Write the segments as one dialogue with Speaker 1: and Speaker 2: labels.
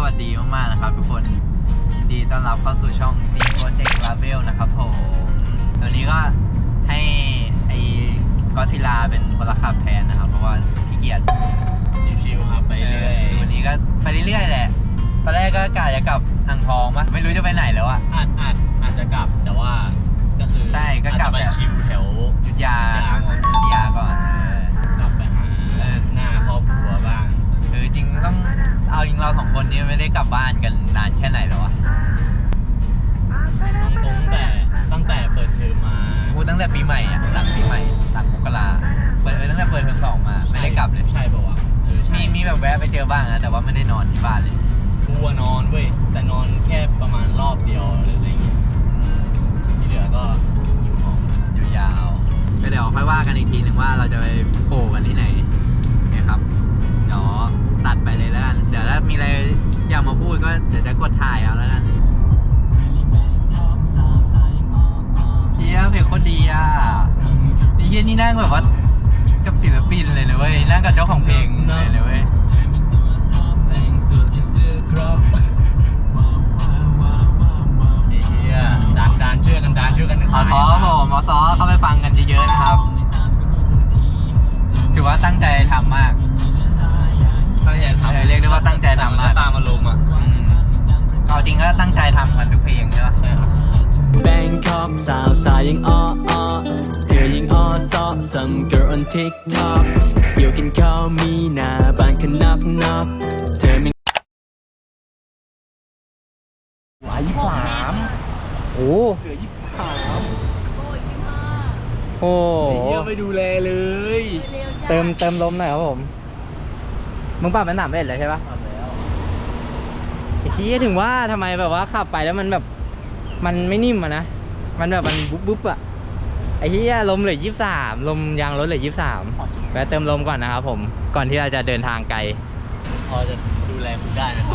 Speaker 1: วัสดีมากๆนะครับทุกคนยินดีต้อนรับเข้าสู่ช่อง Team Project Label นะครับผมตอนนี้ก็ให้ไอ้ก็ซิลาเป็นคนละขับแทนนะครับเพราะว่าขี้เกียจ
Speaker 2: ชิวๆครับไปเรื่อย
Speaker 1: วันนี้ก็ไปเรื่อยๆแหละตอนแรกก็กะจะกลับอ่างทองมั้ยไม่รู้จะไปไหนแล้วอะ
Speaker 2: อาจจะกลับแต่ว่าก็คือ
Speaker 1: ใช่ก็กลับ
Speaker 2: ไปชิวแถว
Speaker 1: ยุทธยาก่อน
Speaker 2: กลับไปหาหน้าครอบครัวบ้าง
Speaker 1: จริงต้องเอาจริงเราสองคนนี้ไม่ได้กลับบ้านกันนานแค่ไหนแล้วอะ
Speaker 2: ตั้งแต่เปิดเทอมมา
Speaker 1: กูตั้งแต่ปีใหม่อะหลังปีใหม่หลังมกราตั้งแต่เปิดเทอม2มาไม่ได้กลับเลย
Speaker 2: ใช่ป่าวะ
Speaker 1: มีแบบแวะไปเจอบ้างนะแต่ว่าไม่ได้นอนที่บ้านเลย
Speaker 2: กูนอนเว้ยแต่นอนแค่ประมาณรอบเดียวหรืออะไรเงี้ยที่เหลือก็อยู่ห้อง
Speaker 1: ยาวๆก็เดี๋ยวค่อยว่ากันอีกทีหนึ่งว่าเราจะไปโผล่กันที่ไหนนะครับเดี๋ยวตัดไปเลยแล้วกันเดี๋ยวถ้ามีอะไรอยากมาพูดก็เดี๋ยวจะกดถ่ายเอาแล้วกันเฮียเพลงโคตรดีอ่ะนี่เฮียนี่นั่งแบบว่ากับศิลปินเลยนะเว้ยนั่งกับเจ้าของเพลงเลยนะเว้ย
Speaker 2: เฮียดันเชื่อกัน
Speaker 1: มอซอผมมอซอเข้าไปฟังกันเยอะๆนะครับถือว่าตั้งใจทำมากเรียกได้ว่าตั้งใจทำมาก
Speaker 2: ตามอารมณ์อ่ะ
Speaker 1: เอาจริงก็ตั้งใจทำกันทุกเพลงใช่ปะ
Speaker 3: แบงคอกสาวสายยังอ้อเธอยังอ้อซ้อ some girl on TikTok อยู่กินข้าวมีหน้าบ้านกันนักเธอไม่
Speaker 1: 23โอ้
Speaker 2: เหลือ
Speaker 1: โอ้
Speaker 2: เยอะไปดูแลเลย
Speaker 1: เติมลมหน่อยครับผมมึงปรับมันหนักได้เลยใช่ปะไอ้ที่ถึงว่าทำไมแบบว่าขับไปแล้วมันแบบมันไม่นิ่มอะนะมันแบบมันบุ๊บอะไอ้ที่ลมเหลือ23ลมยางรถเหลือ23แวะเติมลมก่อนนะครับผมก่อนที่เราจะเดินทางไกล
Speaker 2: พอจะดูแลคุณได้นะครับ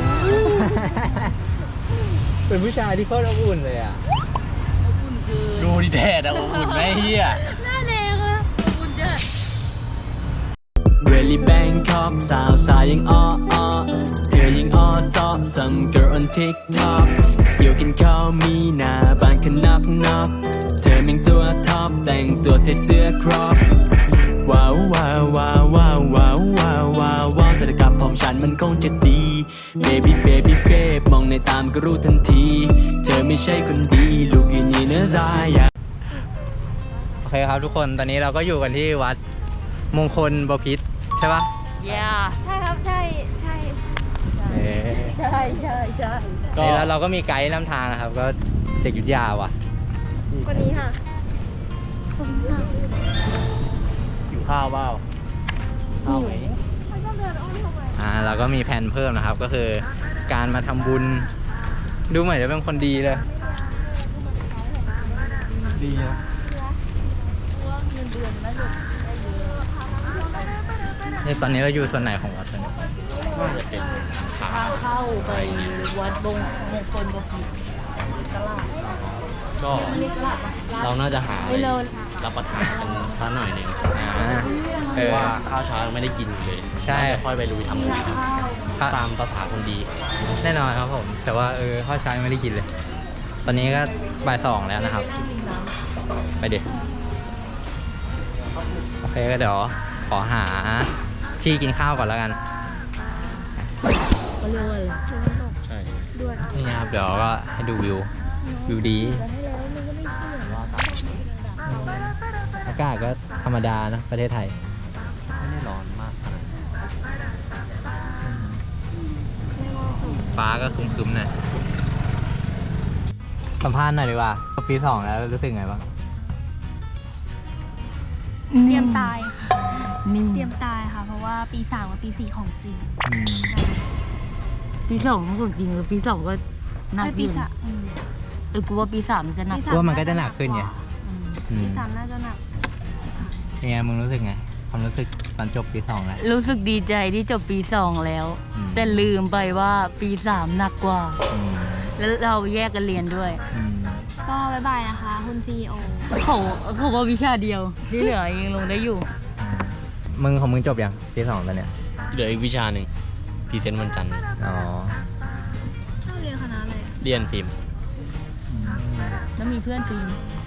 Speaker 1: เป็นผู้ชายที่โคตรอบอุ่นเลยอะ
Speaker 2: อบอุ่นคือดูดิแดดอะอบอุ่นไหมเฮีย
Speaker 4: หน้าแดงอะอบอุ่นจัด
Speaker 3: Really Bangkok สาวสายยังอ้อเธอยังอ้อซ้อ some girl on TikTok อยู่กินข้าวมีหน้าบ้านกันนักเธอแม่งตัวท็อปแต่งตัวใส่เสื้อครอปว้าวแต่กับผมฉันมันคงจะดี baby มองในตามก็รู้ทันทีเธอไม่ใช่คนดีลูกอย่างนี้เนื้อใจ
Speaker 1: โอเคครับทุกคนตอนนี้เราก็อยู่กันที่วัดมงคลบพิตรใช่ปะ
Speaker 4: ใช่ครับใช่
Speaker 1: นี่แล้วเราก็มีไกด์นำทางนะครับก็เด็กยุทธยาว่ะ
Speaker 4: คนนี้ค่ะ
Speaker 2: หิวข้าวเปล่าข้าวไหม
Speaker 1: เราก็มีแผนเพิ่มนะครับก็คือการมาทำบุญดูเหมือนจะเป็นคนดีเลย
Speaker 2: ดีนะ
Speaker 4: เงินเดือนนะลูก
Speaker 1: ในตอนนี้เราอยู่ส่วนไหนของวัดตอนนี้
Speaker 2: น่าจะเป็น
Speaker 4: ทางเข้าไปวัดมงคลบพิตรตลาด
Speaker 2: ก็เราน่าจะหารับประทานกันสักหน่อยหนึ่งเพราะว่าข้าวเช้าไม่ได้กินเลย
Speaker 1: ใช่
Speaker 2: ค่อยไปลุยทำงานตามภาษาคนดี
Speaker 1: แน่นอนครับผมแต่ว่าข้าวเช้าไม่ได้กินเลยตอนนี้ก็บ่าย 2แล้วนะครับไปดิโอเคก็เดี๋ยวขอหาที่กินข้าวก่อนแล้วกัน
Speaker 4: ก็เรียกว่าอะไร
Speaker 2: ใช่
Speaker 1: นี่ครับเดี๋ยวก็ให้ดูวิวดีอากาศก็ธรรมดานะประเทศไทย
Speaker 2: ไม่ได้ร้อนมากขนาด
Speaker 1: ฟ้าก็ครึ้มๆหน่อยสัมภาษณ์หน่อยดีกว่าปี 2แล้วรู้สึกไงบ้าง
Speaker 4: เตรียมตายค่ะเตรียมตายค่ะเพราะว่าปี 3กับปี 4ของจริง
Speaker 5: ปี 2ของจริงหรือปี 2ก็หนักอยู่กูว่าปี 3จะหนัก
Speaker 1: ว่ามันก็จะหนักขึ้นไง
Speaker 4: ปี 3น่าจะหนัก
Speaker 1: เป็นไงมึงรู้สึกไงความรู้สึกตอนจบปี 2แล้ว
Speaker 5: รู้สึกดีใจที่จบปี 2แล้วแต่ลืมไปว่าปี 3หนักกว่าแล้วเราแยกกันเรียนด้วย
Speaker 4: ก็บ๊ายบายนะคะคุณ CEO
Speaker 5: เขาว่าวิชาเดียวที่เหลือยังลงได้อยู่
Speaker 1: มึงของมึงจบยังปี 2แล้วเนี่ย
Speaker 2: เหลืออีกวิชาหนึ่งพรีเซนต์วันจันทร์
Speaker 1: อ๋อ
Speaker 4: เราเรียนคณะอะไร
Speaker 2: เรียนฟิล์ม
Speaker 5: แล้วมีเพื่อนฟิล์ม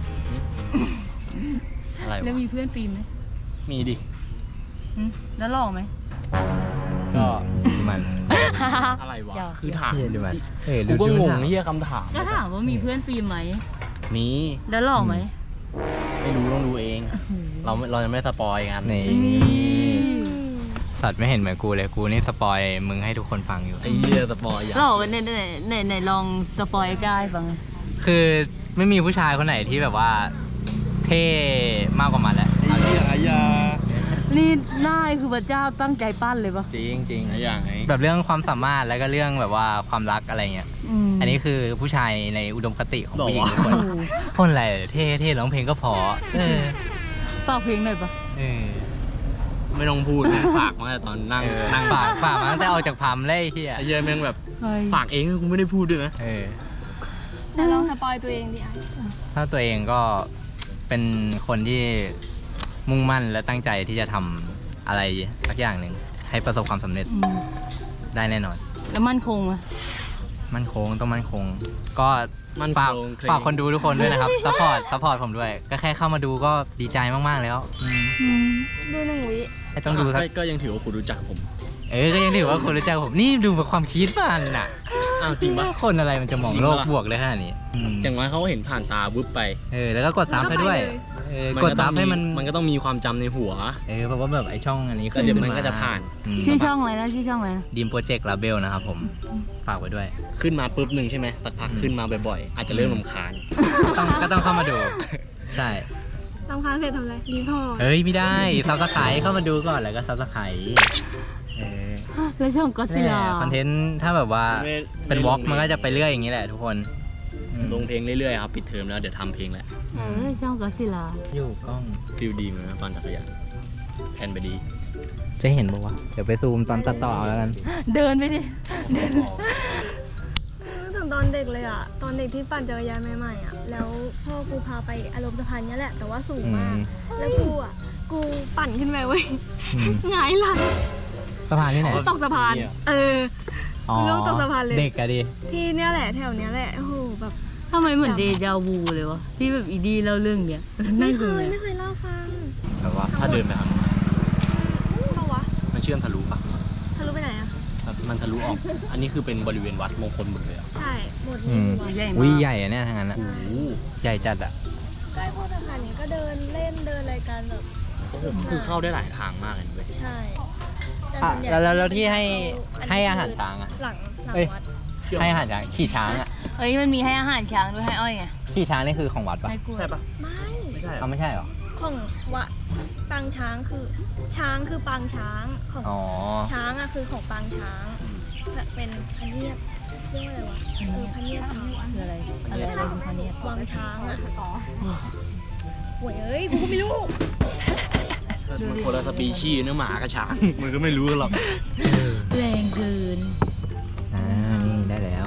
Speaker 2: อะไร
Speaker 5: แล้ว
Speaker 2: วะ
Speaker 5: มีเพื่อนฟิล์มไหม
Speaker 2: มีดิ
Speaker 5: หึแล้วหล่อไหม
Speaker 2: ก็
Speaker 1: ดูมัน
Speaker 2: อะไรวะ
Speaker 5: เดี๋ยว
Speaker 2: คือถาม
Speaker 1: เฮียดูมันเออ
Speaker 2: กูก็งง
Speaker 1: ถาม
Speaker 2: เฮียคำถาม
Speaker 5: ก็ถามว่ามีเพื่อนฟิล์มไหม
Speaker 2: มี
Speaker 5: แล้วหล่อไหม
Speaker 2: ไม่รู้ต้องดูเอง เรายังไม่สปอยกัน
Speaker 1: นี่
Speaker 5: นี่
Speaker 1: สัตว์ไม่เห็นเหมือนกูเลย กูนี่สปอยมึงให้ทุกคนฟังอยู่
Speaker 2: ไอ้เฮียสปอยอย่า
Speaker 5: หล่อกันไหนลองสปอยกายฟัง
Speaker 1: คือไม่มีผู้ชายคนไหนที่แบบว่า เท่มากกว่ามันแล้ว
Speaker 2: ไอ้เฮียไอ้ยา
Speaker 5: นี่หน้าคือพระเจ้าตั้งใจปั้นเลยปะ
Speaker 1: จริงจริง
Speaker 2: ไอ้อย่างไง
Speaker 1: แบบเรื่องความสามารถแล้วก็เรื่องแบบว่าความรักอะไรเงี้ย อันนี้คือผู้ชายในอุดมคติของผู้หญิงทุกคนคนอะไรเท่ร้องเพลงก็พอเออ
Speaker 5: ฝากเพลงหน่อยปะ
Speaker 1: เออ
Speaker 2: ไม่ต้องพูดนะฝากมาแต่ตอนนั่ง
Speaker 1: เออ
Speaker 2: นั่ง
Speaker 1: ฝากมาตั้งแต่ออกจากพัมเลยไอ้เฮีย
Speaker 2: ไอ้เฮียแม่งแบบ
Speaker 5: เฮ้ย
Speaker 2: ฝากเองกูไม่ได้พูดด้วยนะ
Speaker 1: เออ
Speaker 4: แต่ลองสปอยตัวเองดิไอ้
Speaker 1: ถ้าตัวเองก็เป็นคนที่มุ่งมั่นและตั้งใจที่จะทำอะไรสักอย่างหนึ่งให้ประสบความสำเร็จ
Speaker 5: อืม
Speaker 1: ได้แน่นอน
Speaker 5: แล้วมั่นคงไหม
Speaker 1: มั่นคงต้องมั่นคง ก็
Speaker 2: มั่น
Speaker 1: ฝาก
Speaker 2: คงเคร่ง
Speaker 1: ฝากคนดูทุกคนด้วยนะครับ ซัพพอร์ตผมด้วย ก็แค่เข้ามาดูก็ดีใจมากๆแล้ว
Speaker 4: ดูหนึ่งวิ
Speaker 1: ไม่ต้องดูสัก
Speaker 2: ก็ยังถือว่าคุณรู้จักผม
Speaker 1: ก็ยังถือว่าคนรู้จักผมนี่ดูแบบความคิดมันน่ะ
Speaker 2: อ้าวจริงปะ
Speaker 1: คนอะไรมันจะมอง
Speaker 2: จริง
Speaker 1: โล
Speaker 2: ปะ
Speaker 1: ก
Speaker 2: ล่ะ
Speaker 1: บวกเลยขนาดนี้
Speaker 2: อย่างน้อยเขาเห็นผ่านตาวุบไป
Speaker 1: แล้วก็กดซับให้ด้วยกดซับให้มัน
Speaker 2: มันก็ต้องมีความจำในหัว
Speaker 1: เพราะว่าแบบไอช่องอันนี้
Speaker 2: ก็เดี๋ยวมันก็จะผ่าน
Speaker 5: ชื่อช่องอะไรนะชื่อช่องอะไรนะ
Speaker 1: ดีมโปรเจกต์ลาเบลนะครับผมฝากไว้ด้วย
Speaker 2: ขึ้นมาปุ๊บหนึ่งใช่ไหมสักพักขึ้นมาบ่อยๆ อาจจะเริ่มรำคาญ
Speaker 1: ก็ต้องเข้ามาดู ใช่
Speaker 4: รำคาญเสร็จทำอะไรรีพอร์ต
Speaker 1: เฮ้ยไม่ได้ซับสไครต์เข้ามาดูก่อนแล้วก็ซับสไครต์
Speaker 5: แล้วช่องก็ซิลา
Speaker 1: คอนเทนต์ถ้าแบบว่า
Speaker 2: ไม่
Speaker 1: เป็นวอล์กมันก็จะไปเรื่อยอย่างนี้แหละทุกคน
Speaker 2: ลงเพลงเรื่อยๆครับปิดเทอมแล้วเดี๋ยวทำเพลงแล้ว
Speaker 5: ช่องก็ซิลา
Speaker 1: อยู่กล้อง
Speaker 2: ฟิลดีเหมือนกันปั่นจักรยานแผนไปดี
Speaker 1: จะเห็นบอกว่าเดี๋ยวไปซูมตอนตัดต่อเอาแล้วกัน
Speaker 5: เดินไปดิ
Speaker 4: นึกถึงตอนเด็กเลยอ่ะ ตอนเด็กที่ปั่นจักรยานใหม่ๆอ่ะ แล้วพ่อกูพาไปอารมณ์สะพานเนี้ยแหละ แต่ว่าสูงมาก แล้วกูปั่นขึ้นไปเว้ย หงายหลัง
Speaker 1: สะพานที่ไหน
Speaker 4: ตกสะพาน ล่วงตกสะพานเลย
Speaker 1: เด็กอะดิ
Speaker 4: ที่เนี้ยแหละแถวเนี้ยแหละ โอ้โหแบบ
Speaker 5: ทำไมเหมือนเดจาวูเลยวะที่แบบอีดีเล่าเรื่องเนี้ย
Speaker 4: ไม่เค
Speaker 5: ดู
Speaker 4: ย
Speaker 5: เลย
Speaker 4: ไม่เคยเล่าฟัง
Speaker 2: แบบว่าถ้าเดินไปทาง
Speaker 4: เปล่าวะ
Speaker 2: มันเชื่อมทะลุปะ
Speaker 4: ทะลุไปไหนอ่ะ
Speaker 2: มันทะลุออก อันนี้คือเป็นบริเวณวัดมงคลหมดเลยอ่ะ
Speaker 4: ใช่ หมด
Speaker 1: อื
Speaker 4: นี่
Speaker 1: ม
Speaker 4: วัด
Speaker 5: ใหญ่
Speaker 1: อุ้ย
Speaker 5: มาก
Speaker 1: ใหญ่อะเนี่ยทางนั้นอะ
Speaker 2: โอ้โห
Speaker 1: ใหญ่จัดอะ
Speaker 4: ใกล้พวกสะพานนี้ก็เดินเล่นเดินอะไรกันแบบ
Speaker 2: คือเข้าได้หลายทางมากเลยเว้ย
Speaker 4: ใช่แต่
Speaker 1: อ่ะ
Speaker 4: ส่นใหญ่
Speaker 1: แล้วที่ให้
Speaker 4: อันนี้
Speaker 1: ให้อาหารช้างอะ
Speaker 4: หลัง
Speaker 1: เอ้ย
Speaker 4: วัด
Speaker 1: ให้อาหารช้างขี่ช้างอะ
Speaker 5: เฮ้ยมันมีให้อาหารช้างด้วยให้อ้อยไง
Speaker 1: ขี่ช้างนี่คือของวัดปะ
Speaker 5: ให้กล้วย
Speaker 2: ใช่ปะ
Speaker 4: ไม่
Speaker 2: ไม่ใช่เหร
Speaker 1: เอา
Speaker 2: อ
Speaker 1: ไม่ใช่หรอ
Speaker 4: ของวัดปางช้างคือช้างคือปางช้างของ
Speaker 1: อ๋อ
Speaker 4: ช้างอะคือของปางช้างแบบเป็นพะเนียดเรียกว่าอะไรวะพะเนียดช้าง
Speaker 5: คืออะไรคือพันเนี้ย
Speaker 4: วังช้างอะโวยเอ้ยกูก็ไม่รู้
Speaker 2: มันคนละสปีชีส์เนื้อหมากับช้าง มันก็ไม่รู้กันหรอก
Speaker 5: แรงเกิน
Speaker 1: นี่ได้แล้ว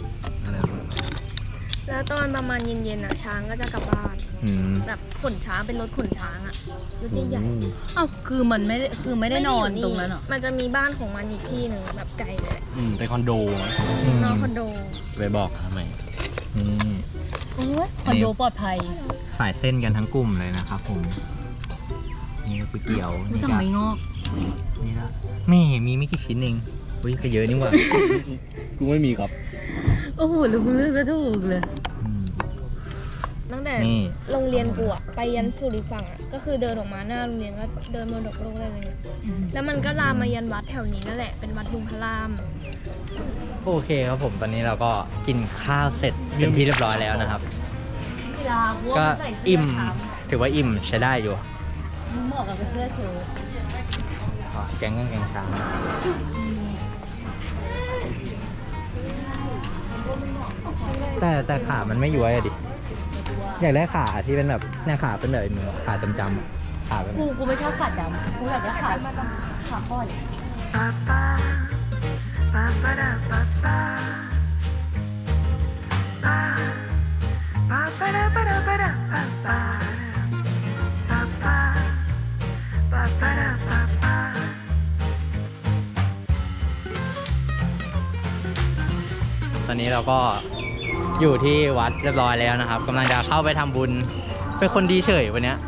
Speaker 4: แล้วตอนประมาณเย็นๆอะช้างก็จะกลับบ้าน
Speaker 1: อืม
Speaker 4: แบบขนช้างเป็นรถขนช้างอะรถใหญ่ๆ
Speaker 5: เอ้าคือมันไม่ได้คือไม่ได้นอนตรงนั้นเหรอ
Speaker 4: มันจะมีบ้านของมันอีกที่หนึ่งแบบไกลเลย
Speaker 2: เป็นคอนโดนะ
Speaker 4: นอนคอนโด
Speaker 2: ไปบอกทำไม
Speaker 1: นี่
Speaker 4: โอ้ย
Speaker 5: คอนโดปลอดภัย
Speaker 1: สายเส้นกันทั้งกลุ่มเลยนะครับผม นี่ก็ก๋วยเตี๋ยว
Speaker 5: กู
Speaker 1: นี่
Speaker 5: สั่ง
Speaker 1: ก็
Speaker 5: ไม่งอก
Speaker 1: นี่ละไม่มีไม่กี่ชิ้นเองอุ้ยก็เยอะนี่หว่า
Speaker 2: กูไม่มีครับ
Speaker 5: โอ้โหแล้วมึงเลือกจะถูกเลย
Speaker 1: อืม
Speaker 4: ตั้งแต่
Speaker 1: นี่
Speaker 4: โรงเรียนกูอะไปยันสุริฝั่งอะก็คือเดินออกมาหน้าโรงเรียนก็เดินมรดกโลกได้เลยเนี่ยแล้วมันก็ลามมายันวัดแถวนี้นั่นแหละเป็นวัดลุงพระราม
Speaker 1: โอเคครับผมตอนนี้เราก็กินข้าวเสร็จเป็นที่เรียบร้อยแล้วนะครับ
Speaker 5: เวลาพวก
Speaker 1: ก็
Speaker 5: ใส่เสื้
Speaker 1: อิ่ม
Speaker 5: ขาว
Speaker 1: ถือว่าอิ่มใช้ได้อยู่
Speaker 5: มึงเหมาะกับเสื้อเชิ้ต
Speaker 1: แกงเงินแกงช้างแต่ขามันไม่ย้วยอะดิ อยากได้ขาที่เป็นแบบเนี่ยขาเป็นแบบเหมือนขาจำๆอะขาเป็น
Speaker 5: กูไม่ชอบขาดำกูอยากได้ขาข้อน
Speaker 6: Ba
Speaker 1: ตอนนี้เราก็อยู่ที่วัดเรียบร้อยแล้วนะครับกำลังจะเข้าไปทำบุญเป็นคนดีเฉยวันเนี้ย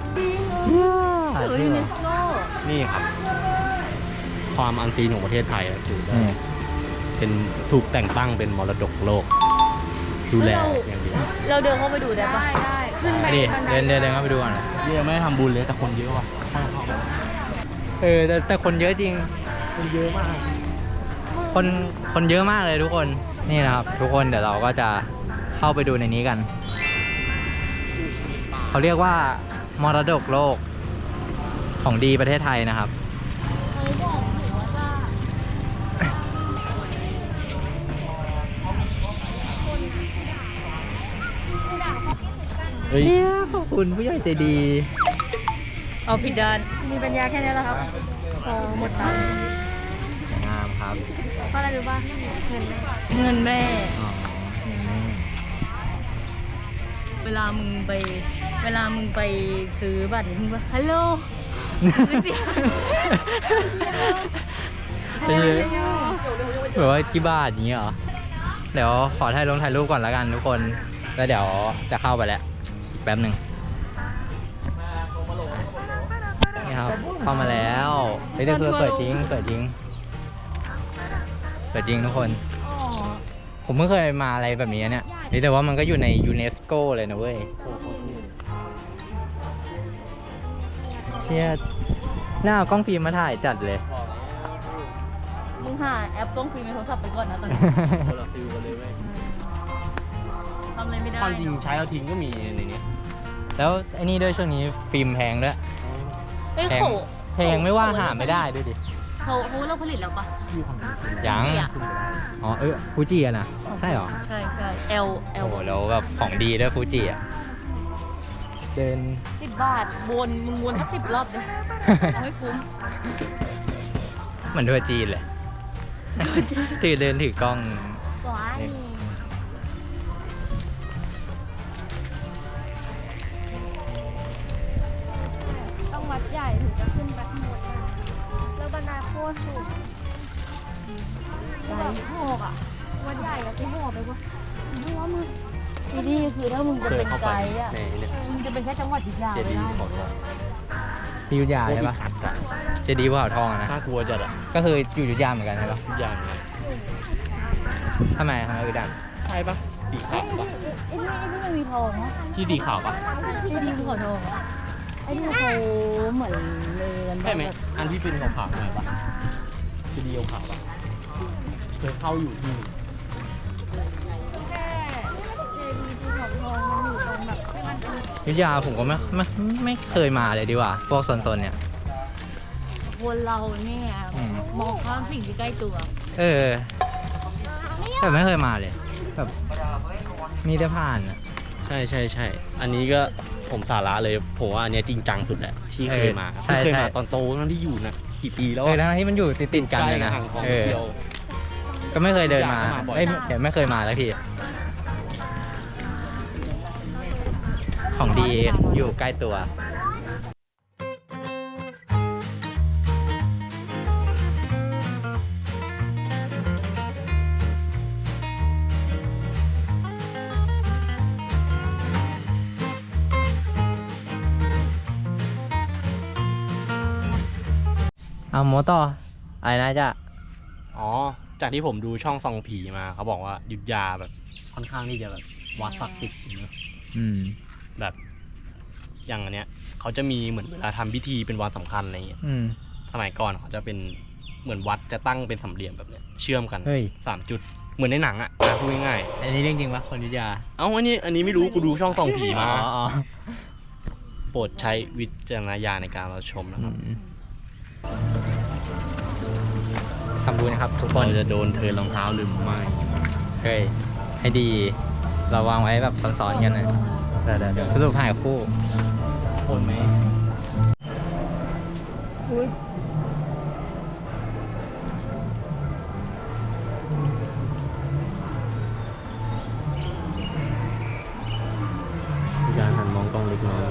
Speaker 2: นี่ครับ ความอันซีนของประเทศไทยอะคือเป็นถูกแต่งตั้งเป็นมรดกโลก ดูแลอย่างดี
Speaker 5: เราเดินเข้าไปดูได้ปะ
Speaker 4: ได้ขึ้นไป
Speaker 1: ดิเดินเข้าไปดูก่อนนะ
Speaker 2: นี่ยังไม่ได้ทำบุญเลยแต่คนเยอะว่ะ
Speaker 1: แต่คนเยอะจริง
Speaker 2: คนเยอะมาก
Speaker 1: คนเยอะมากเลยทุกคนนี่นะครับ ทุกคนเดี๋ยวเราก็จะเข้าไปดูในนี้กันเขาเรียกว่ามรดกโลกของดีประเทศไทยนะครับเนี่ยขอบคุณผู้ใหญ่ใจดี
Speaker 5: เอาผิดด้าน
Speaker 4: มีปัญญาแค่นี้แหละครับพอหมดตังค์
Speaker 1: งามครับ
Speaker 4: เพราะอะไรรู้ป่ะเงินแม่
Speaker 5: เงินแม่
Speaker 1: อ๋อ
Speaker 5: เวลามึงไปซื้อบัตรมึงว่าฮัลโหลซื้อเสียง
Speaker 1: แบบว่ากี่บาทอย่างเงี้ยเหรอเดี๋ยวขอถ่ายรูปก่อนแล้วกันทุกคนแล้วเดี๋ยวจะเข้าไปแล้วอีกแป๊บหนึ่งนี่ครับเข้ามาแล้วเฮ้ยแต่คือสวยจริงทุกคน ผมเพิ่งเคยมาอะไรแบบนี้เนี่ยนี่แต่ว่ามันก็อยู่ในยูเนสโกเลยนะเว้ยเชี่ยหน้าเอากล้องฟิล์มมาถ่ายจัดเลย
Speaker 5: มึงหาแอปกล้องฟิล์มในโทรศัพท์ไปก่อนนะตอนนี้
Speaker 2: คนละฟิลกันเลยเว้ย
Speaker 5: ทำอะไรไม่ได้
Speaker 2: ความจริงใช้แล้วทิ้งก็มีในนี้
Speaker 1: แล้วไอ้นี่ด้วยช่วงนี้ฟิล์มแพงด้วย
Speaker 5: เอ้ย
Speaker 1: แพง
Speaker 5: โข
Speaker 1: แพงไม่ว่าหาไม่ได้ด้วยดิ
Speaker 5: เขาเราผลิตแล้วปะ
Speaker 1: ยัง
Speaker 5: เนี่ย
Speaker 1: อ๋อฟูจิอะนะใช่เหรอ
Speaker 5: ใช่L
Speaker 1: โอ้โหแล้วแบบของดีด้วยฟูจิอะเดิน
Speaker 5: 10 บาทมึงวนสัก10 รอบเลยเอาให้คุ้ม
Speaker 1: เหมือนทัวร์จีนเลยเดินถือกล้อง
Speaker 5: ว้าย
Speaker 4: ต้องวัดใหญ่ถึงจะขึ้นไปข้างบนได้แล้วบันไดโคตรสูงแบบโหกอ่ะวัดใหญ่อะกูโหกไปวะไม่ว่ามึง
Speaker 5: ที่นี่คือถ้ามึงจะเป็นไกด์อ่ะ
Speaker 2: ในเนี่ย
Speaker 5: มึงจะเป็นแค่จังหวัดยุทธยา
Speaker 2: เจ
Speaker 5: ไม่
Speaker 2: ดี
Speaker 5: ได้
Speaker 2: ย์ของเรา
Speaker 1: ที่อยุธยาใช่ปะเจดีย์ภูเขาทองอะนะ
Speaker 2: น่ากลัวจัดอ่ะ
Speaker 1: ก็คืออยู่อยุธยาเหมือนกันใช่ปะ
Speaker 2: ทุกอย่างนะ
Speaker 1: ทำไมอยุธยา
Speaker 2: ใช่ปะสีขาวปะ
Speaker 5: ไอ้นี่มันมีทองนะ
Speaker 2: ที่สีขาวปะ
Speaker 5: ที่ดีภูเขาทองอะไอ้นี่เขาเหมือนเรือน
Speaker 2: ใช่ไหมอันที่เป็นขาวๆหน่อยปะที่ดีขาวๆปะเคยเข้าอยู่ที่
Speaker 4: แค่เจดีย์ภูเขาทองมันอยู่ตรงแบบที่มันเป็น
Speaker 1: อยุธยาผมก็ไม่เคยมาเลยดีกว่า พวกโซนๆเนี่ย
Speaker 5: คนเราเนี่ย
Speaker 1: อืม
Speaker 5: มองข้ามสิ่งที่ใกล้ตัว
Speaker 1: แต่ไม่เคยมาเลยแบบมีแต่ผ่านอะ
Speaker 2: ใช่อันนี้ก็ผมสาระเลยผมว่าอันเนี้ยจริงจังสุดแหละที่เคยมา
Speaker 1: ใช่
Speaker 2: เคย
Speaker 1: ใช่
Speaker 2: มาตอนโตนั่นที่อยู่นะกี่ปีแล้ว
Speaker 1: ทั้งที่มันอยู่ติดกันเลยนะ
Speaker 2: ใกห่างของ
Speaker 1: เออ
Speaker 2: เดียว
Speaker 1: ก็ไม่เคยเดินมา
Speaker 2: อยากมาบ่อย
Speaker 1: เดี๋ยวไม่เคยมาสักทีของดีอยู่ใกล้ตัว เอาโมต่ออะไรนะจ๊ะ
Speaker 2: อ๋อจากที่ผมดูช่องส่องผีมาเขาบอกว่าอยุธยาแบบค่อนข้างที่จะแบบวัดศักดิ์สิทธิ์เนอะ
Speaker 1: อืม
Speaker 2: แบบอย่างอันเนี้ยเขาจะมีเหมือนเวลาทำพิธีเป็นวันสำคัญอะไรเงี้ย
Speaker 1: อืม
Speaker 2: สมัยก่อนเขาจะเป็นเหมือนวัดจะตั้งเป็นสามเหลี่ยมแบบเนี้ยเชื่อมกัน
Speaker 1: เฮ้ย
Speaker 2: 3 จุดเหมือนในหนังอ่ะพูดง่าย
Speaker 1: อันนี้เรื่องจริงปะคนอยุธยา
Speaker 2: ๆเอ้าอันนี้ไม่รู้กูดูช่องส่องผีมา
Speaker 1: อ๋อ
Speaker 2: โปรดใช้วิจารณญาณในการรับชมนะครับ
Speaker 1: ทำบุญนะครับทุกค
Speaker 2: เรา
Speaker 1: น
Speaker 2: จะโดนเทิร์นรองเท้าหรือไม่
Speaker 1: เฮ้ยให้ดี เราวางไว้แบบซ้อนๆกันนะเดี๋ยวสรุปถ่ายคู่
Speaker 2: โอนไหม
Speaker 5: อุ้ย
Speaker 2: มีการหันมองกล้องเล็กน้อย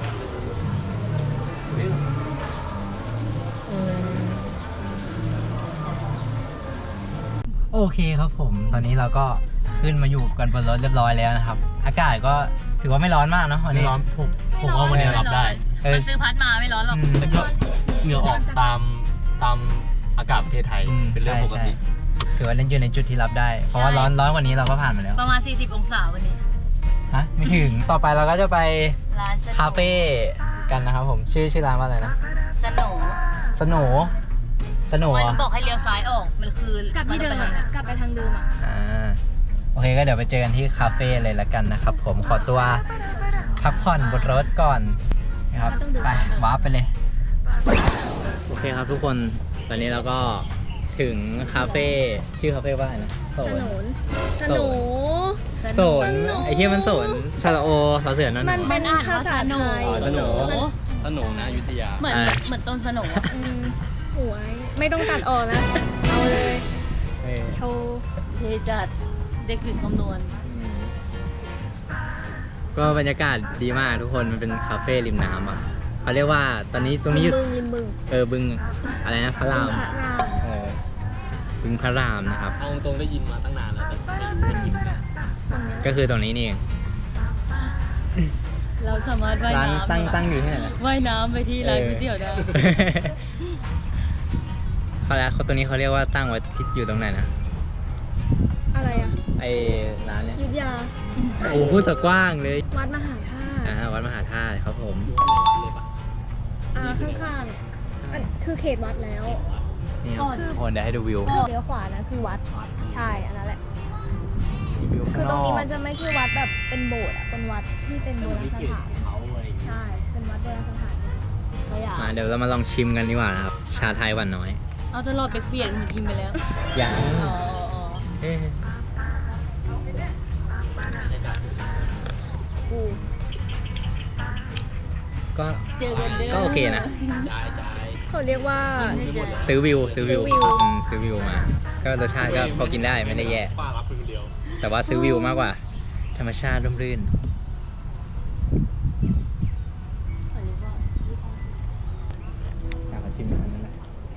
Speaker 1: โอ้เคครับผม ตอนนี้เราก็ขึ้นมาอยู่กันบนรถเรียบร้อยแล้วนะครับ อากาศก็ถือว่าไม่ร้อนมากเนาะวัน
Speaker 2: ไม่
Speaker 1: นี้
Speaker 2: ร้อนผมว่าวันนี้รับได้
Speaker 5: มันซื้อพัดมาไม่ร้อนหรอก
Speaker 2: แต่ก็เหงื่อออกตามอากาศประเทศไทยเป็นเรื่องปกติ
Speaker 1: ถือว่าเล่นอยู่ในจุดที่รับได้ เพราะว่าร้อนกว่านี้เราก็ผ่านมาแล้ว
Speaker 5: ประมาณ 40 องศาวันนี้
Speaker 1: ฮะไม่ถึง ต่อไปเราก็จะไป
Speaker 5: ร้านสนุก
Speaker 1: คาเฟ่กันนะครับผม ชื่อร้านว่าอะไรนะ
Speaker 5: สนุก
Speaker 1: สโหน
Speaker 5: มันบอกให้เลี้ยวซ้ายออก มันคือก
Speaker 4: ลับที่เดิมอะกลับไปทางเดิมอ่ะ
Speaker 1: โอเคก็เดี๋ยวไปเจอกันที่คาเฟ่เลยละกันนะครับผมขอตัวพักผ่อนบนรถก่อนนะครับไปวาร์ปไปเลย โอเคครับทุกคนตอนนี้เราก็ถึงคาเฟ่ชื่อคาเฟ่ว่าอะไรนะ
Speaker 4: สนุน
Speaker 1: โสนไอ้ที่มันโสนซาลาโอเราเสือนั่น
Speaker 4: มันเป็นภาษาไทย
Speaker 1: สโหน
Speaker 2: สนุกนะอยุธยา
Speaker 5: เหมือนต้นสนุก
Speaker 4: หวยไม่ต้องตัดออกนะ เอาเลย โชว์
Speaker 5: เทจัดเด็กถึงคำนวณ
Speaker 1: ก็บรรยากาศดีมากทุกคนมันเป็นคาเฟ่ริมน้ำอ่ะเขาเรียกว่าตอนนี้ตรงนี้
Speaker 4: ริมบึง
Speaker 1: บึงอะไรนะพระราม
Speaker 4: พระราม
Speaker 1: บึงพระรามนะครับ
Speaker 2: เอาตรงได้ยินมาตั้งนานแล้วแต่ไม่ยินนะ
Speaker 1: ก็คือตรงนี้นี่เอง
Speaker 5: เราสามารถว่าย
Speaker 1: ร้าน
Speaker 5: น้ำ
Speaker 1: ตั้งอยู่ที่ไหนนะ
Speaker 5: ว่ายน้ำไปที่ร้านก๋วยเตี๋ยวได้
Speaker 1: เขาตัวนี้เขาเรียกว่าตั้งไว้ที่อยู่ตรงไหนนะ
Speaker 4: อะไรอ่ะ
Speaker 1: ไอ้ร้านเนี้ย
Speaker 4: อยุธยา
Speaker 1: โอ้พูดสะกว้างเลย
Speaker 4: วัดมหาธาตุ
Speaker 1: วัดมหาธาตุครับผม
Speaker 4: ข้างๆอันคือเขตวัดแล้ว
Speaker 1: นี่ครับทุกคนเดี๋ยวให้ดูวิว
Speaker 4: เลี้ยวขวานะคือวัด ใช่อันนั้นแหละ
Speaker 1: วิว
Speaker 4: คือ
Speaker 1: ข้าง
Speaker 4: ต
Speaker 1: น
Speaker 4: รง
Speaker 1: อ
Speaker 4: นี้
Speaker 1: ก
Speaker 4: มันจะไม่ใช่วัดแบบเป็นโบสถ์อ่ะ เป็นวัดที่เป็นโบราณสถาน
Speaker 2: เขาอะไรอย่างเงี้ย
Speaker 4: ใช่ เป็นวัดโบราณสถาน
Speaker 5: ไม่อยาก
Speaker 1: มาเดี๋ยวเรามาลองชิมกันดีกว่านะครับ ชาไทยหวานน้อย
Speaker 5: เอาตลอดไปเปลี่ยนมันกินไปแล้ว
Speaker 1: ยัง
Speaker 5: อ๋อ
Speaker 1: เอ๊ะ
Speaker 4: กู
Speaker 1: ก็
Speaker 5: เจอกันเด้อ
Speaker 1: ก็โอเคนะ
Speaker 2: จ่าย
Speaker 4: เขาเรียกว่า
Speaker 1: ซื้อวิว
Speaker 4: ซื้อวิว
Speaker 1: ซื้อวิวมา ก็รสชาติก็พอกินได้ไม่ได้แย่
Speaker 2: ป้ารับคนเดียว
Speaker 1: แต่ว่าซื้อวิวมากกว่า ธรรมชาติร่มรื่น อยากมาชิมอันนั้นแหละ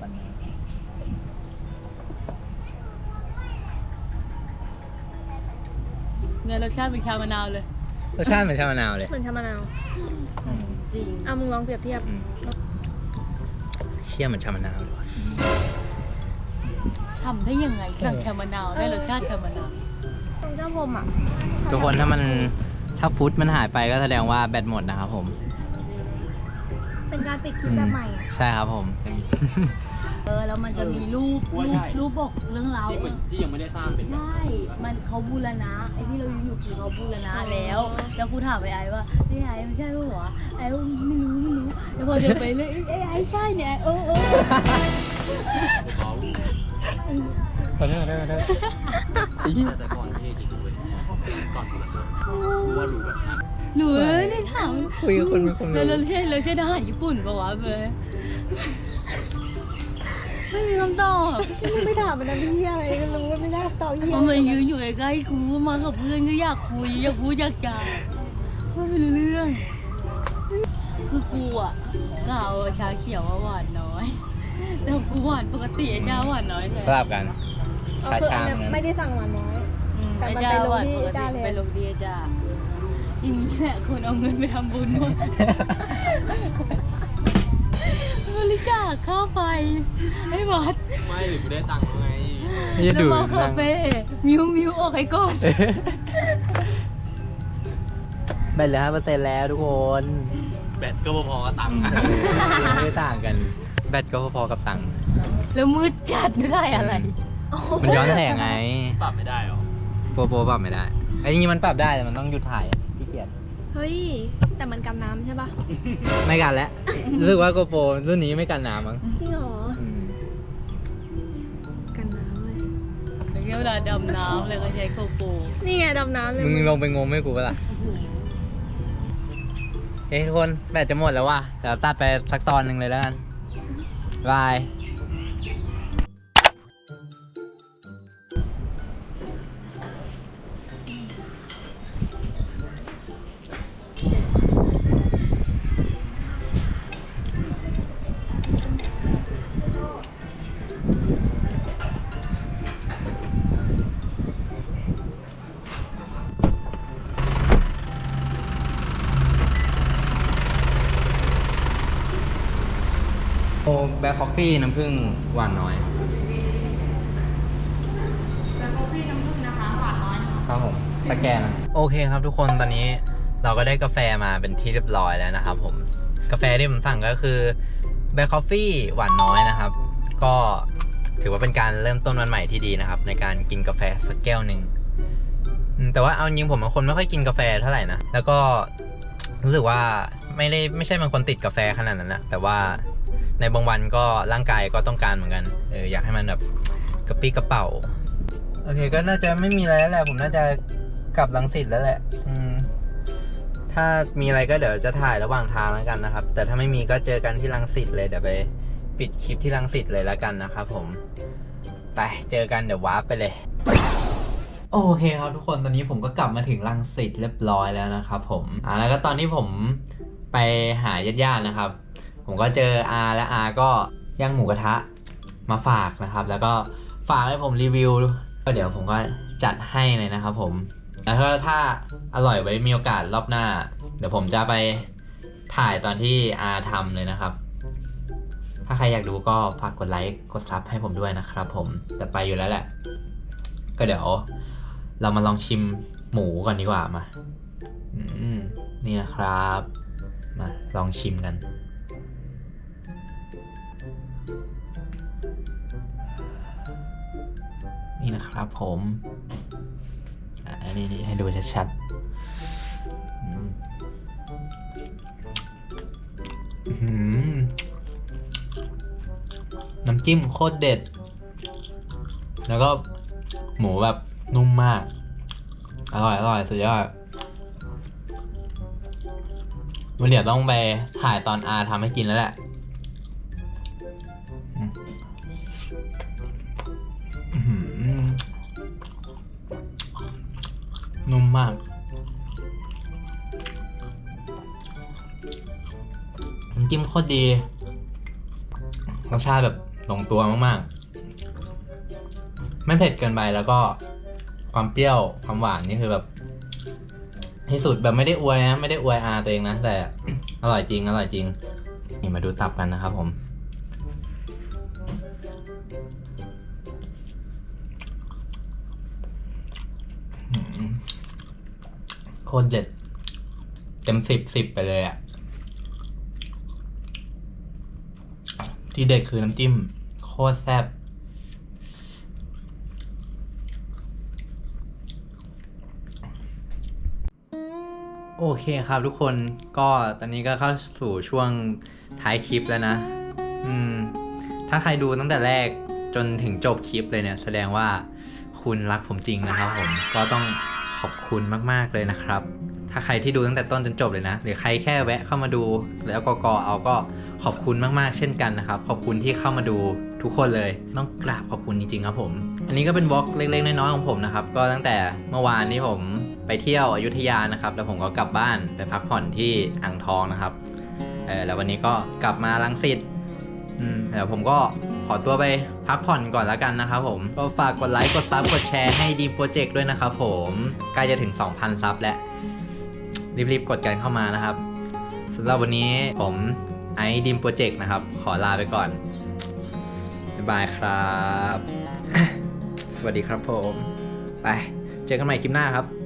Speaker 5: เนี่ยรสชาติเป็นชามะนาวเลย
Speaker 1: รสชาติเหมือนชามะนาวเลย
Speaker 4: เหมือนชามะนาว
Speaker 5: จริง
Speaker 4: เอามึงลองเปรียบเทียบ
Speaker 1: เชี่ยเหมือนชามะนาวเลยว่ะ
Speaker 5: ทำได้ยังไงสั่งชามะนาวได้รสชาติชามะนาว
Speaker 4: ตรงเจ้าพรมอ่ะ
Speaker 1: ทุกคนถ้าฟุตมันหายไปก็แสดงว่าแบตหมดนะครับผม
Speaker 4: เป็นการปิดคลิปแบบใหม่อ่ะ
Speaker 1: ใช่ครับผม
Speaker 5: แล้วมันจะมีรูปบอกเรื่องราว
Speaker 2: ที่ยังไม่ได้สร้างเป็น
Speaker 5: ใช่มันเขาบูรณะไอ้ที่เราอยู่คือเขาบูรณะแล้วกูถามไอ้ว่าไอ้ไม่ใช่ป่ะวะไอ้ว่าไม่รู้แล้วพอเดินไปเลยไอ้ใช่เนี่ยเออ
Speaker 2: เขา
Speaker 1: ขอโทษ
Speaker 2: แต่ก่อนเท่จริงเลยก่อนว่าดูแบบนั้น
Speaker 5: หนูนี่ถาม
Speaker 1: คุยกับคนมีความรู้
Speaker 5: เราใช่ทหารญี่ปุ่นป่ะวะเบย์ไม่มีคำตอบ
Speaker 4: ไม่ถามมันนะพี่อะไรก็รู้ว่าไม่น่าตอบเหี้ย
Speaker 5: มันมายืนอยู่ใกล้ๆกูมากับเพื่อนก็อยากคุยอยากพูดอยากจาไม่รู้เรื่อง คือกูอ่ะกล่าวชาเขียวว่าหวานน้อยแต่กูหวานปกติไอ้เจ้าหวานน้อยใช่
Speaker 1: สลับกัน
Speaker 4: คือ
Speaker 1: ชา
Speaker 4: อัน
Speaker 1: ๆ
Speaker 4: เนี้ยไม่ได้สั่งหวานน้อย แต่
Speaker 5: ไอ้
Speaker 4: มัน
Speaker 5: เจ้า
Speaker 4: ไปลง
Speaker 5: หวาน
Speaker 4: ที่
Speaker 5: ปก
Speaker 4: เจ้า
Speaker 5: ติ
Speaker 4: เลย
Speaker 5: ไปลงดีไอ้เจ้าอย่างนี้แหละคนเอาเงินไปทำบุญหมดบริจาคค่าไฟให้วัด
Speaker 2: ไม่หรือกูได้ตังค์แล้วไง
Speaker 1: ไม่จะ
Speaker 5: แล้ว
Speaker 1: ดู
Speaker 5: มาคาเฟ่มิวออกให้ก่อน
Speaker 1: แบตเหลือ5%แล้วทุกคน
Speaker 2: แบตก็พอๆกับตังค์
Speaker 1: ไม่ได้ต่างกัน แบตก็พอๆกับตังค์
Speaker 5: แล้วมืดจัดไม่ได้อะไร
Speaker 1: มันย้อนแสงไง
Speaker 2: ปรับไม่ได้หรอ
Speaker 1: โปรปรับไม่ได้ไอ้จริงๆมันปรับได้แต่มันต้องหยุดถ่ายอะที่เกียจ
Speaker 4: เฮ้ย แต่มันกันน้ำใช่ปะ
Speaker 1: ไม่กันแล้ว รู้สึกว่าโกโปรรุ่นนี้ไม่กันน้ำมั้ง
Speaker 4: จริงเหรอ
Speaker 1: อืม
Speaker 4: กันน้ำเลย
Speaker 5: เป็นเวลาดำน้ำเลยก็ใช้โกโปร
Speaker 4: นี่ไงดำน้ำเลย
Speaker 1: มึงลงไปงมให้กูปะล่ะเฮ้ยทุกคนแบตจะหมดแล้วว่ะเดี๋ยวตัดไปสักตอนหนึ่งเลยแล้วกันบายแบล็คคอฟฟี่น้ำผึ้งหวานน้อย
Speaker 5: แบล็คคอฟฟี่น้ำผึ้งนะคะหวานน้อยนะคะ
Speaker 1: ครับผมตะแกรงโอเคครับทุกคนตอนนี้เราก็ได้กาแฟมาเป็นที่เรียบร้อยแล้วนะครับผมกาแฟที่ผมสั่งก็คือแบล็คคอฟฟี่หวานน้อยนะครับก็ถือว่าเป็นการเริ่มต้นวันใหม่ที่ดีนะครับในการกินกาแฟสักแก้วหนึ่งแต่ว่าเอาจริงผมเป็นคนไม่ค่อยกินกาแฟเท่าไหร่นะแล้วก็รู้สึกว่าไม่ใช่เป็นคนติดกาแฟขนาดนั้นนะแต่ว่าในบางวันก็ร่างกายก็ต้องการเหมือนกันอยากให้มันแบบกระปี้กระเป๋าโอเคก็น่าจะไม่มีอะไรแล้วแหละผมน่าจะกลับรังสิตแล้วแหละถ้ามีอะไรก็เดี๋ยวจะถ่ายระหว่างทางแล้วกันนะครับแต่ถ้าไม่มีก็เจอกันที่รังสิตเลยเดี๋ยวไปปิดคลิปที่รังสิตเลยแล้วกันนะครับผมไปเจอกันเดี๋ยววาร์ปไปเลยโอเคครับทุกคนตอนนี้ผมก็กลับมาถึงรังสิตเรียบร้อยแล้วนะครับผมแล้วก็ตอนที่ผมไปหาญาติๆนะครับผมก็เจออาและอาก็ย่างหมูกระทะมาฝากนะครับแล้วก็ฝากให้ผมรีวิวก็เดี๋ยวผมก็จัดให้เลยนะครับผมแล้วถ้าอร่อยไว้มีโอกาสรอบหน้าเดี๋ยวผมจะไปถ่ายตอนที่อาทำเลยนะครับถ้าใครอยากดูก็ฝากกดไลค์กดซับให้ผมด้วยนะครับผมแต่ไปอยู่แล้วแหละก็เดี๋ยวเรามาลองชิมหมูก่อนดีกว่ามานี่นะครับมาลองชิมกันนี่นะครับผมนี่ให้ดูชัดๆน้ำจิ้มโคตรเด็ดแล้วก็หมูแบบนุ่มมากอร่อยสุดยอดวันเดี๋ยวต้องไปถ่ายตอนอาทำให้กินแล้วแหละนุ่มมากน้ำจิ้มโคตรดีรสชาติแบบลงตัวมากๆไม่เผ็ดเกินไปแล้วก็ความเปรี้ยวความหวานนี่คือแบบที่สุดแบบไม่ได้อวยนะไม่ได้อวยอาตัวเองนะแต่ อร่อยจริงนี่มาดูตับกันนะครับผมโคตรเด็ดเต็ม10 ไปเลยอ่ะที่เด็ดคือน้ำจิ้มโคตรแซ่บโอเคครับทุกคนก็ตอนนี้ก็เข้าสู่ช่วงท้ายคลิปแล้วนะถ้าใครดูตั้งแต่แรกจนถึงจบคลิปเลยเนี่ยแสดงว่าคุณรักผมจริงนะครับผมก็ต้องขอบคุณมากๆเลยนะครับถ้าใครที่ดูตั้งแต่ต้นจนจบเลยนะหรือใครแค่แวะเข้ามาดูแล้วก็เอาก็ขอบคุณมากๆเช่นกันนะครับขอบคุณที่เข้ามาดูทุกคนเลยต้องกราบขอบคุณจริงๆครับผมอันนี้ก็เป็นวอล์กเล็กๆน้อยๆของผมนะครับก็ตั้งแต่เมื่อวานที่ผมไปเที่ยวอยุธยานะครับแล้วผมก็กลับบ้านไปพักผ่อนที่อ่างทองนะครับแล้ววันนี้ก็กลับมารังสิตเดี๋ยวผมก็ขอตัวไปพักผ่อนก่อนแล้วกันนะครับผมก็ฝากกดไลค์กดซับกดแชร์ให้ดีมโปรเจกต์ด้วยนะครับผมใกล้จะถึง 2,000 ซับแล้วรีบๆกดกันเข้ามานะครับสำหรับวันนี้ผมไอซ์ดีมโปรเจกต์นะครับขอลาไปก่อนบ๊ายบายครับ สวัสดีครับผมไปเจอกันใหม่คลิปหน้าครับ